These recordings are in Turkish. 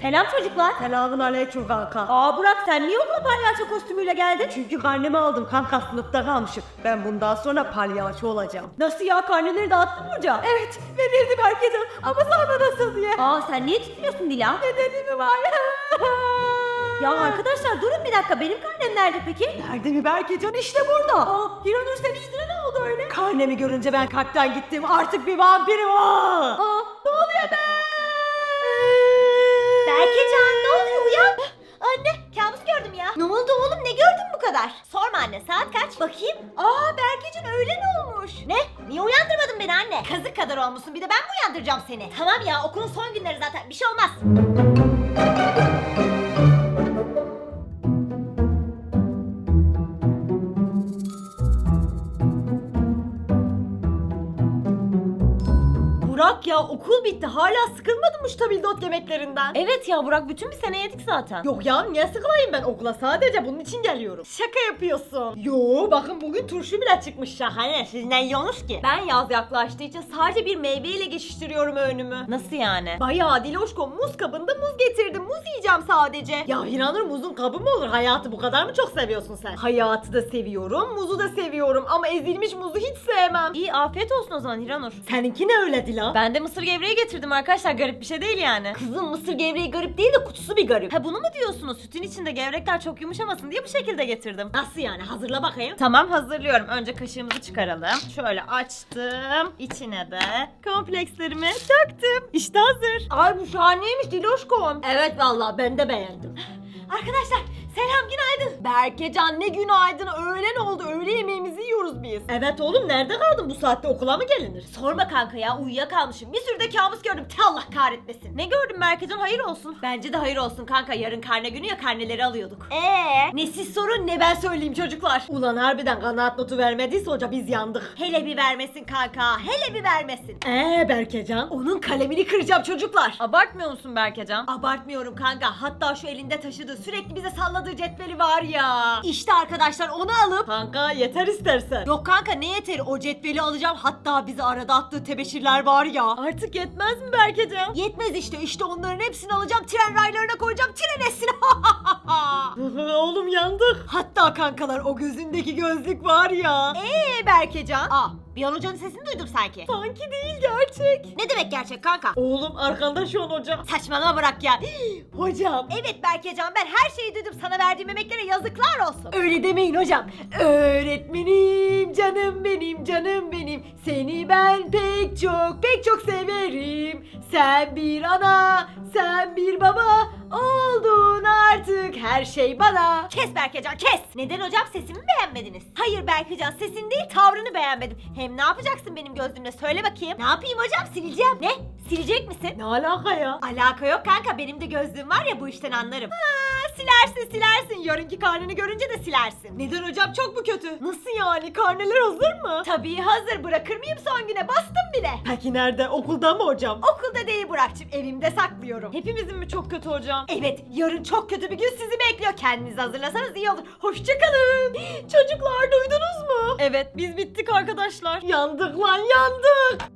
Selam çocuklar. Selamünaleyküm kanka. Burak sen niye okula palyaço kostümüyle geldin? Çünkü karnemi aldım kanka, sınıfta kalmışım. Ben bundan sonra palyaço olacağım. Nasıl ya, karneleri dağıttın mı hocam? Evet, verildi herkese ama sonra nasıl diye. Sen niye titriyorsun Dila? Nedeni mi var? Ya arkadaşlar durun bir dakika, benim karnem nerede peki? Nerede mi Berkecan? İşte burada. Hiranur, senin yüzüne ne oldu öyle? Karnemi görünce ben kalpten gittim. Artık bir vampirim o. Ne oluyor be? Berkecan ne oluyor, uyan. Anne kabus gördüm ya. Ne oldu oğlum, ne gördün bu kadar? Sorma anne, saat kaç? Bakayım. Berkecan öğlen olmuş. Ne? Niye uyandırmadın beni anne? Kazık kadar olmuşsun, bir de ben mi uyandıracağım seni? Tamam ya, okulun son günleri zaten, bir şey olmaz. Burak ya, okul bitti. Hala sıkılmadın mı şu tabildot yemeklerinden? Evet ya Burak, bütün bir sene yedik zaten. Yok ya, niye sıkılayım ben okula? Sadece bunun için geliyorum. Şaka yapıyorsun. Yo, bakın bugün turşu bile çıkmış, şahane. Siz ne yiyorsunuz ki? Ben yaz yaklaştığı için sadece bir meyveyle geçiştiriyorum önümü. Nasıl yani? Bayağı Diloşko, muz kabında muz getirdim. Muz yiyeceğim sadece. Ya Hiranur, muzun kabı mı olur? Hayatı bu kadar mı çok seviyorsun sen? Hayatı da seviyorum, muzu da seviyorum ama ezilmiş muzu hiç sevmem. İyi, afiyet olsun o zaman Hiranur. Seninki ne öyle Dilan? Ben de mısır gevreği getirdim arkadaşlar, garip bir şey değil yani. Kızım, mısır gevreği garip değil de kutusu bir garip. Ha bunu mu diyorsunuz? Sütün içinde gevrekler çok yumuşamasın diye bu şekilde getirdim. Nasıl yani? Hazırla bakayım. Tamam, hazırlıyorum. Önce kaşığımızı çıkaralım. Şöyle açtım. İçine de komplekslerimi döktüm. İşte hazır. Ay bu şahaneymiş Diloşkom. Evet vallahi ben de beğendim. Arkadaşlar selam, günaydın. Berkecan, ne günaydın, öğlen oldu, öğle yemeğimizi yiyoruz biz. Evet oğlum, nerede kaldın bu saatte, okula mı gelinir? Sorma kanka ya, uyuyakalmışım. Bir sürü de kabus gördüm. Allah kahretmesin. Ne gördün Berkecan, hayır olsun. Bence de hayır olsun kanka. Yarın karne günü ya, karneleri alıyorduk. Ne siz sorun ne ben söyleyeyim çocuklar. Ulan harbiden kanaat notu vermediyse hoca biz yandık. Hele bir vermesin kanka. Hele bir vermesin. Berkecan, onun kalemini kıracağım çocuklar. Abartmıyor musun Berkecan? Abartmıyorum kanka, hatta şu elinde taşıdığı sürekli bize salladığı cetveli var ya. İşte arkadaşlar onu alıp. Kanka yeter istersen. Yok kanka, ne yeteri, o cetveli alacağım. Hatta bizi arada attığı tebeşirler var ya. Artık yetmez mi Berkecan? Yetmez işte onların hepsini alacağım, tren raylarına koyacağım, tren esine. Oğlum yandık. Hatta kankalar, o gözündeki gözlük var ya. Berkecan. Bir hocanın sesini duydum sanki. Sanki değil, gerçek. Ne demek gerçek kanka? Oğlum arkanda şu an hocam. Saçmalama bırak ya. Hocam. Evet Berkecan, ben her şeyi duydum. Sana verdiğim emeklere yazıklar olsun. Öyle demeyin hocam. Öğretmenim, canım benim, canım benim. Seni ben pek çok severim. Sen bir ana, sen bir baba oldun artık, her şey bana. Kes Berkecan, kes. Neden hocam, sesimi mi beğenmediniz? Hayır Berkecan, sesin değil tavrını beğenmedim. Hem ne yapacaksın benim gözümle, söyle bakayım. Ne yapayım hocam, sileceğim. Ne? Silecek misin? Ne alaka ya? Alaka yok kanka, benim de gözlüğüm var ya, bu işten anlarım. Silersin. Yarınki karneni görünce de silersin. Neden hocam, çok mu kötü? Nasıl yani, karneler hazır mı? Tabii hazır, bırakır mıyım son güne, bastım bile. Peki nerede, okulda mı hocam? Okulda değil Burak'cığım, evimde saklıyorum. Hepimizin mi çok kötü hocam? Evet, yarın çok kötü bir gün sizi bekliyor. Kendinizi hazırlasanız iyi olur. Hoşçakalın. Çocuklar duydunuz mu? Evet, biz bittik arkadaşlar. Yandık lan, yandık.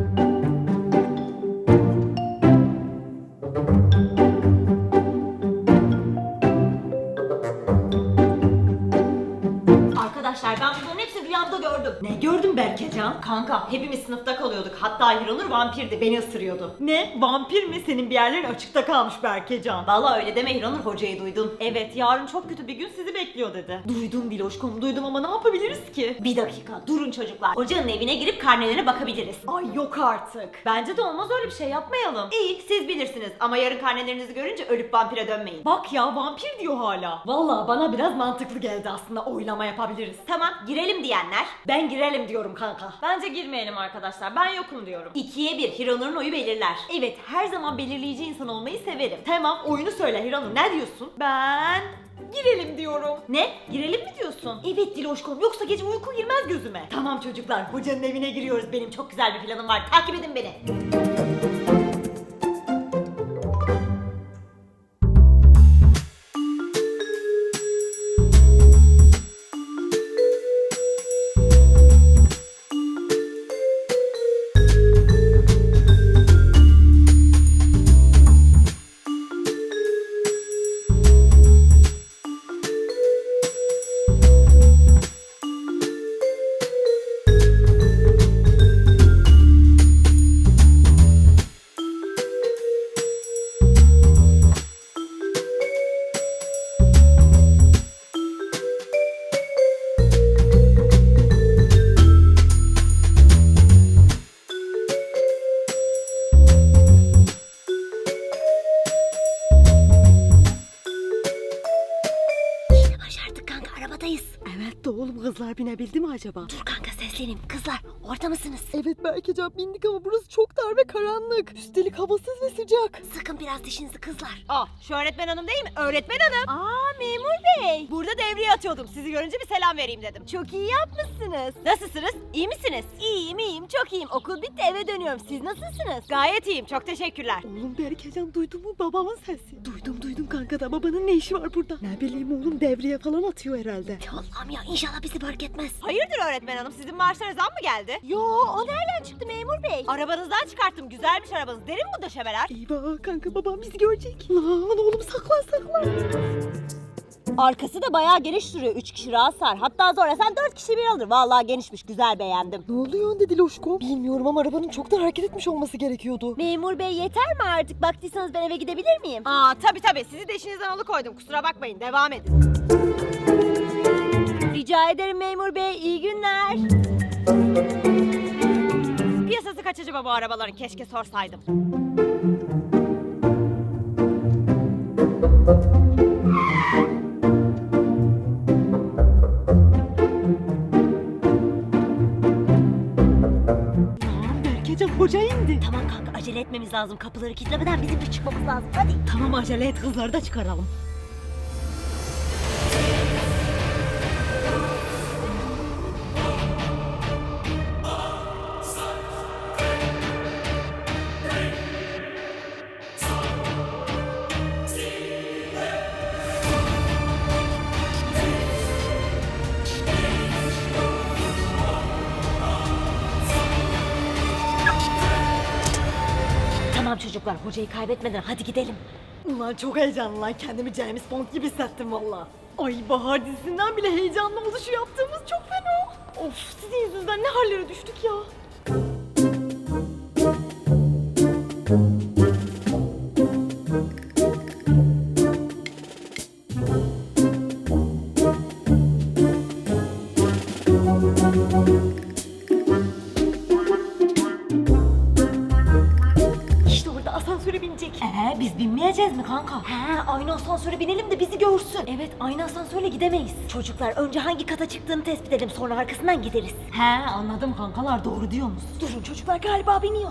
Arkadaşlar ben bunların hepsini rüyamda gördüm. Ne gördün Berkecan? Kanka hepimiz sınıfta kalıyorduk. Hatta Hiranur vampirdi, beni ısırıyordu. Ne? Vampir mi? Senin bir yerlerin açıkta kalmış Berkecan. Vallahi öyle deme Hiranur, hocayı duydun. Evet, yarın çok kötü bir gün sizi bekliyor dedi. Duydum Diloşkom, duydum ama ne yapabiliriz ki? Bir dakika durun çocuklar. Hocanın evine girip karnelerine bakabiliriz. Ay yok artık. Bence de olmaz, öyle bir şey yapmayalım. İyi, siz bilirsiniz ama yarın karnelerinizi görünce ölüp vampire dönmeyin. Bak ya, vampir diyor hala. Vallahi bana biraz mantıklı geldi aslında, oylama yapabiliriz. Tamam, girelim diyenler. Ben girelim diyorum kanka. Bence girmeyelim arkadaşlar, ben yokum diyorum. 2'ye 1, Hiranur'un oyu belirler. Evet, her zaman belirleyici insan olmayı severim. Tamam, oyunu söyle Hiranur, ne diyorsun? Ben girelim diyorum. Ne? Girelim mi diyorsun? Evet Diloşkom, yoksa gece uyku girmez gözüme. Tamam çocuklar, hocanın evine giriyoruz. Benim çok Güzel bir planım var, takip edin beni. kızlar binebildi mi acaba? Dur kanka sesleneyim. Kızlar orada mısınız? Evet Berkecan bindik ama burası çok dar ve karanlık. Üstelik havasız ve sıcak. Sıkın biraz dişinizi kızlar. Şu öğretmen hanım değil mi? Öğretmen hanım. Memur bey. Burada devriye atıyordum. Sizi görünce bir selam vereyim dedim. Çok iyi yapmışsınız. Nasılsınız? İyi misiniz? İyiyim çok iyiyim. Okul bitti eve dönüyorum. Siz nasılsınız? Gayet iyiyim. Çok teşekkürler. Oğlum Berkecan duydun mu babamın sesi? Duydum kanka da babanın ne işi var burada? Ne bileyim oğlum devriye falan atıyor herhalde. Ya Allah'ım ya inşallah bizi fark etmez. Hayırdır öğretmen hanım? Sizin maaşlara zam mı geldi? Yo o nereden çıktı memur bey? Arabanızdan çıkarttım. Güzelmiş arabanız. Derin bu döşemeler. Eyvah kanka babam bizi görecek. Lan oğlum saklan. Arkası da bayağı geniş duruyor. 3 kişi rahat sar. Hatta zorlasan 4 kişi bir alır. Vallahi genişmiş. Güzel beğendim. Ne oluyor dedi Loşko? Bilmiyorum ama arabanın çoktan hareket etmiş olması gerekiyordu. Memur bey yeter mi artık? Baktıysanız ben eve gidebilir miyim? Tabii. Sizi de işinizden alıkoydum. Kusura bakmayın. Devam edin. Rica ederim memur bey. İyi günler. Piyasası kaç acaba bu arabaların? Keşke sorsaydım. Berkecan hoca indi. Tamam kanka acele etmemiz lazım. Kapıları kilitlemeden bizim de çıkmamız lazım. Hadi. Tamam acele et kızları da çıkaralım. Tamam çocuklar hocayı kaybetmeden hadi gidelim. Ulan çok heyecanlı lan kendimi James Bond gibi hissettim valla. Ay Bahar dizisinden bile heyecanlı oldu şu yaptığımız çok fena. Of sizin yüzünüzden ne hallere düştük ya. İşte orada asansöre binecek. Biz binmeyeceğiz mi kanka? Aynı asansöre binelim de bizi görsün. Evet aynı asansörle gidemeyiz. Çocuklar önce hangi kata çıktığını tespit edelim sonra arkasından gideriz. Anladım kankalar doğru diyorsunuz. Durun çocuklar galiba biniyor.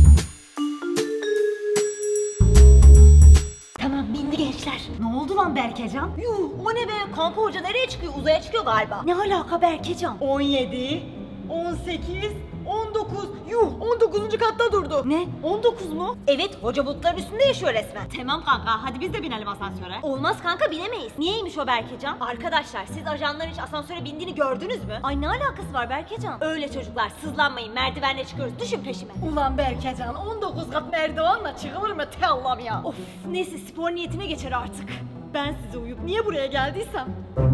Tamam bindi gençler. Ne oldu lan Berkecan? Yuh o ne be kanka hoca nereye çıkıyor uzaya çıkıyor galiba. Ne alaka Berkecan? 17, 18, 19. Yuh 19. katta durdu. Ne 19 mu? Evet hoca bulutların üstünde yaşıyor resmen. Tamam kanka hadi biz de binelim asansöre. Olmaz kanka binemeyiz. Niyeymiş o Berkecan? Arkadaşlar siz ajanların hiç asansöre bindiğini gördünüz mü? Ay ne alakası var Berkecan? Öyle çocuklar sızlanmayın merdivenle çıkıyoruz düşün peşime. Ulan Berkecan 19 kat merdivenle çıkılır mı te Allah'ım ya. Of neyse spor niyetine geçer artık. Ben size uyup niye buraya geldiysem.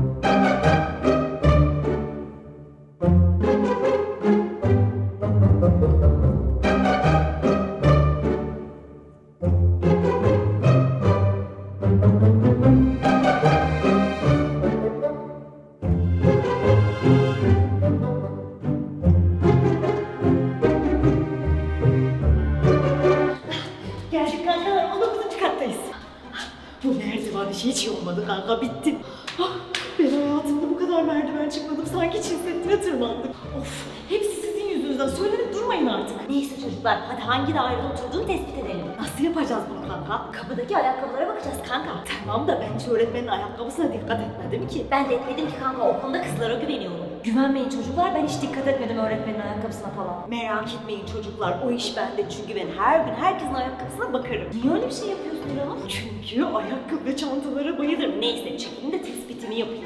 Geldik kankalar 19. kattayız. Bu merdiven işi hiç iyi olmadı kanka bitti. Ben hayatımda bu kadar merdiven çıkmadım sanki Çin Seddi'ne tırmandık. Of hepsi sizin yüzünüzden söylenip durmayın artık. Neyse çocuklar hadi hangi dairede oturduğunu tespit edelim. Nasıl yapacağız bunu kanka? Kapıdaki ayakkabılara bakacağız kanka. Tamam da ben hiç öğretmenin ayakkabısına dikkat etmedim ki. Ben de etmedim ki kanka o konuda kızlara güveniyorum. Güvenmeyin çocuklar ben hiç dikkat etmedim öğretmenin ayakkabısına falan. Merak etmeyin çocuklar o iş bende çünkü ben her gün herkesin ayakkabısına bakarım. Niye öyle bir şey yapıyorsun İranur? Çünkü ayakkabı ve çantalara bayılırım. Neyse çekin de tespitimi yapayım.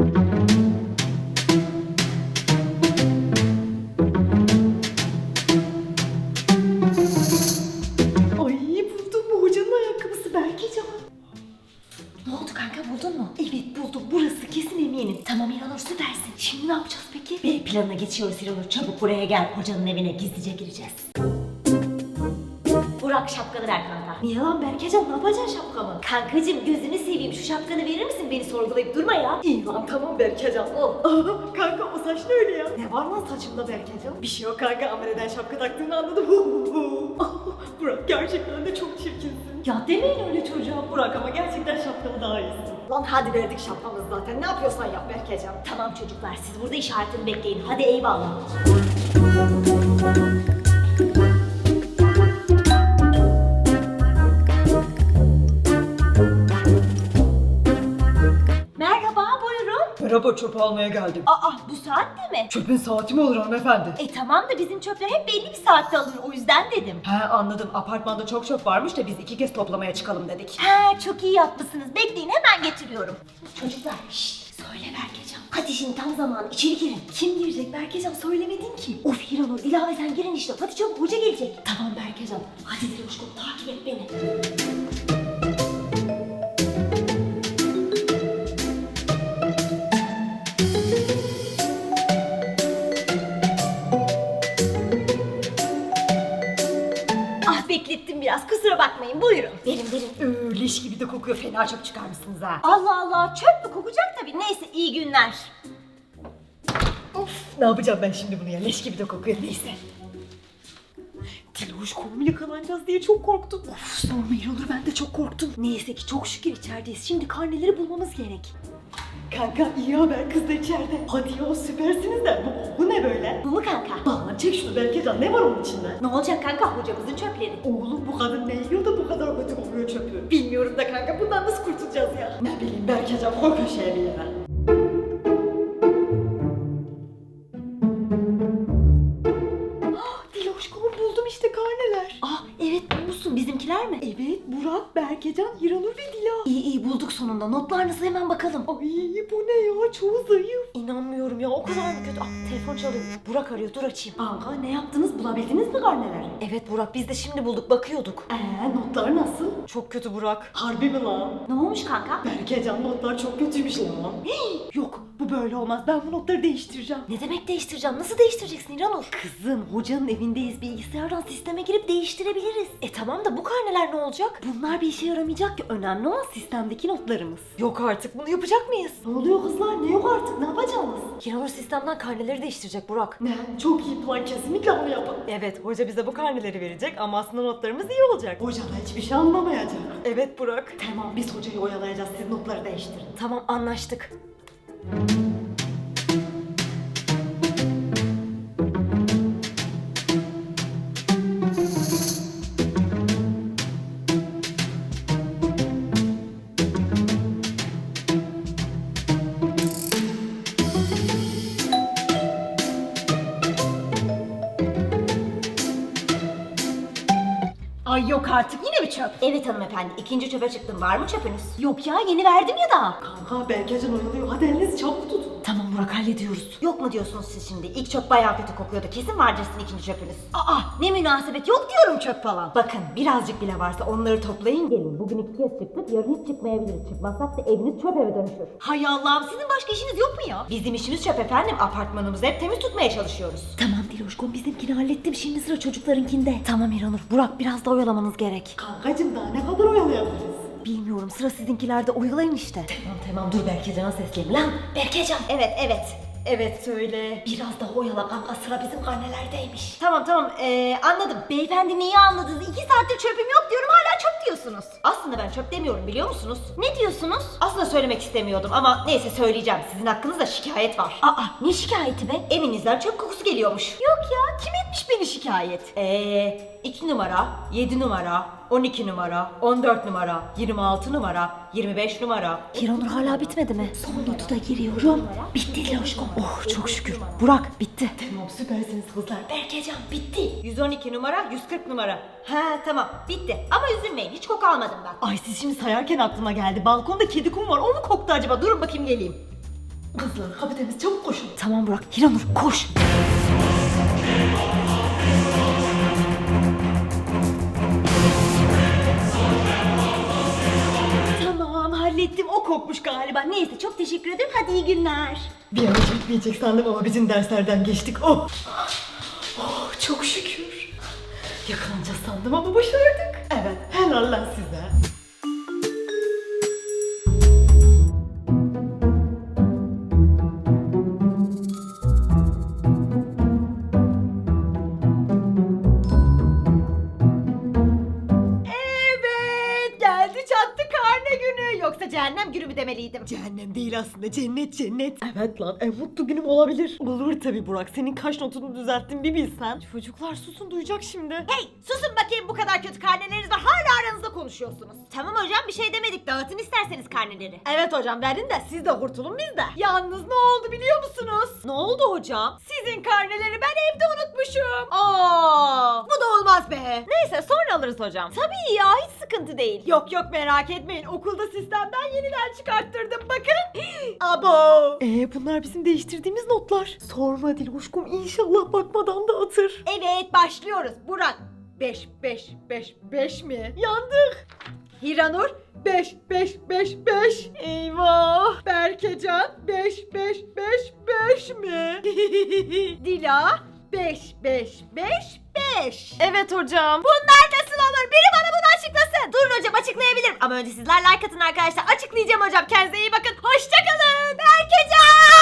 Ay buldum bu hocanın ayakkabısı Berkecan. Ne oldu kanka buldun mu? Evet buldum burası kesin eminim. Tamam İranur süpersin. Şimdi ne yapacağız peki? B planına geçiyoruz İranur çabuk buraya gel hocanın evine gizlice gireceğiz. Burak şapkanı ver kanka. Niye lan Berkecan ne yapacaksın şapkamı? Kankacım gözünü seveyim şu şapkanı verir misin beni sorgulayıp durma ya. İyi lan tamam Berkecan ol. Aa, kanka o saç ne öyle ya? Ne var lan saçımda Berkecan? Bir şey yok kanka ama neden şapka taktığını anladım. Burak gerçekten de çok çirkinsin. Ya demeyin öyle çocuğa Burak ama gerçekten şapkalı daha iyisin. Lan hadi verdik şapkamızı zaten. Ne yapıyorsan yap Berkecan. Tamam çocuklar siz burada işaretini bekleyin. Hadi eyvallah. Merhaba buyurun. Merhaba, çöp almaya geldim. Aa bu saatte mi? Çöpün saati mi olur hanımefendi? Tamam da bizim çöpler hep belli bir saatte alınır o yüzden dedim. He anladım. Apartmanda çok çöp varmış da biz 2 kez toplamaya çıkalım dedik. He çok iyi yapmışsınız. Bekleyin hemen getiriyorum. Çocuklar şşt söyle Berkecan. Hadi şimdi tam zamanı içeri girin. Kim girecek Berkecan söylemedin ki. Of Hiranur ilave sen girin işte. Hadi çabuk hoca gelecek. Tamam Berkecan. Hadi Diloşkom takip et beni. Ah beklettim biraz kusura bakmayın buyurun. Verin. Leş gibi de kokuyor. Fena çöp çıkarmışsınız ha. Allah Allah çöp mü kokacak tabii. Neyse iyi günler. Of, ne yapacağım ben şimdi bunu ya? Leş gibi de kokuyor. Neyse. Diloşkom yakalanacağız diye çok korktum. Of, sorma İranur, ben de çok korktum. Neyse ki çok şükür içerideyiz. Şimdi karneleri bulmamız gerek. Kanka iyi haber, kız da içeride. Hadi ya süpersiniz de. Bu ne böyle? Bu mu kanka? Lan çek şunu Berkecan, ne var onun içinde? Ne olacak kanka hocamızın çöpleri? Oğlum bu kadın ne yiyor da bu kadar kötü kokuyor çöpü? Bilmiyorum da kanka, bundan nasıl kurtulacağız ya? Ne bileyim Berkecan, koy köşeye bir yere. Diloşkom buldum işte karneler. Ah evet bulmuşsun bizimkiler mi? Evet, Burak, Berkecan, Hiranur ve Dila. İyi bulduk sonunda. Notlar nasıl hemen bakalım. Ay bu ne ya, çoğu zayıf. İnanmıyorum ya o kadar mı kötü? Ah telefon çalıyor. Burak arıyor dur açayım. Kanka ne yaptınız, bulabildiniz mi karneleri? Evet Burak biz de şimdi bulduk bakıyorduk. Notlar nasıl? Çok kötü Burak. Harbi mi lan? Ne olmuş kanka? Berkecan notlar çok kötüymüş lan. Yok, bu böyle olmaz, ben bu notları değiştireceğim. Ne demek değiştireceğim? Nasıl değiştireceksin İranur? Kızım, hocanın evindeyiz, Bilgisayardan sisteme girip değiştirebiliriz. Tamam da bu karneler ne olacak? Bunlar bir işe yaramayacak ki, önemli olan sistemdeki notlarımız. Yok artık bunu yapacak mıyız? Ne oluyor kızlar, ne yok artık, ne yapacağız? İranur sistemden karneleri değiştirecek Burak. Ne? Çok iyi plan, kesinlikle bunu yapalım. Evet hoca bize bu karneleri verecek ama aslında notlarımız iyi olacak. Hoca da hiçbir şey anlamayacak. Evet Burak. Tamam, biz hocayı oyalayacağız, siz notları değiştirin. Tamam anlaştık. Ay yok artık, yine mi çöp? Evet hanımefendi ikinci çöpe çıktım. Var mı çöpünüz? Yok ya yeni verdim ya daha. Kanka Berkecan oyalıyor, hadi elinizi çabuk tutun. Tamam Burak hallediyoruz. Yok mu diyorsunuz siz şimdi? İlk çöp bayağı kötü kokuyordu. Kesin vardır sizin ikinci çöpünüz. Aa, ne münasebet, yok diyorum çöp falan. Bakın birazcık bile varsa onları toplayın gelin. Bugün 2 kez çıktık yarın hiç çıkmayabiliriz. Çıkmazsak da eviniz çöp eve dönüşür. Hay Allah'ım, sizin başka işiniz yok mu ya? Bizim işimiz çöp efendim. Apartmanımızı hep temiz tutmaya çalışıyoruz. Tamam Diloşkom bizimkini hallettim şimdi sıra çocuklarınkinde. Tamam İranur Burak biraz da oyalamanız gerek. Kankacım daha ne kadar oyalayabiliriz? Bilmiyorum sıra sizinkilerde oyalayın işte. Tamam dur Berkecan'a sesleneyim. Lan Berkecan. Evet söyle. Biraz daha oyala kanka sıra bizim karnelerdeymiş. Tamam anladım. Beyefendi neyi anladınız? 2 saattir çöpüm yok diyorum hala çöp diyorsunuz. Aslında ben çöp demiyorum biliyor musunuz? Ne diyorsunuz? Aslında söylemek istemiyordum ama neyse söyleyeceğim. Sizin hakkınızda şikayet var. Ne şikayeti be? Evinizden çöp kokusu geliyormuş. Yok ya, kim etmiş beni şikayet? 2 numara, 7 numara, 12 numara, 14 numara, 26 numara, 25 numara. İranur hala bitmedi mi? Son notu da giriyorum. Bitti Diloşkom. Oh çok şükür. Burak bitti. Tamam, süpersiniz kızlar. Berkecan bitti. 112 numara, 140 numara. Ha tamam bitti. Ama üzülmeyin hiç koku almadım ben. Ay siz şimdi sayarken aklıma geldi. Balkonda kedi kum var, o mu koktu acaba? Durun bakayım geleyim. Kızlar kapı temiz, çabuk koşun. Tamam Burak. İranur koş. Tamam hallettim, o kokmuş galiba. Neyse, çok teşekkür ederim, hadi iyi günler. Bir an çekmeyecek sandım ama bizim derslerden geçtik. Oh! Oh çok şükür. Yakalanacağız sandım ama başardık. Evet, helal lan size. Evet mü yoksa cehennem günü mü demeliydim? Cehennem değil aslında, cennet cennet. Evet lan, en mutlu günüm olabilir. Olur tabi Burak, senin kaş notunu düzelttim bir bilsen. Çocuklar susun, duyacak şimdi. Hey susun bakayım, bu kadar kötü karneleriniz var hala aranızda konuşuyorsunuz. Tamam hocam bir şey demedik. Dağıtın isterseniz karneleri. Evet hocam verdin de siz de kurtulun biz de. Yalnız ne oldu biliyor musunuz? Ne oldu hocam? Sizin karneleri ben evde unutmuşum. Aa, bu da olmaz be. Neyse sonra alırız hocam. Tabii ya hiç sıkıntı değil. Yok yok merak etmeyin. Okulda sistemden yeniden çıkarttırdım bakın. Abo. Bunlar bizim değiştirdiğimiz notlar. Sorma Diloşkum, inşallah bakmadan da atır. Evet başlıyoruz. Burak 5 5 5 5 mi? Yandık. Hiranur 5 5 5 5. Eyvah. Berkecan 5 5 5 5 mi? Dila 5 5 5 5. Evet hocam. Bunlar nasıl olur? Biri bana bunu açıklasın. Durun hocam açıklayabilirim. Ama önce sizler like atın arkadaşlar. Açıklayacağım hocam. Kendinize iyi bakın. Hoşçakalın. Berkecan.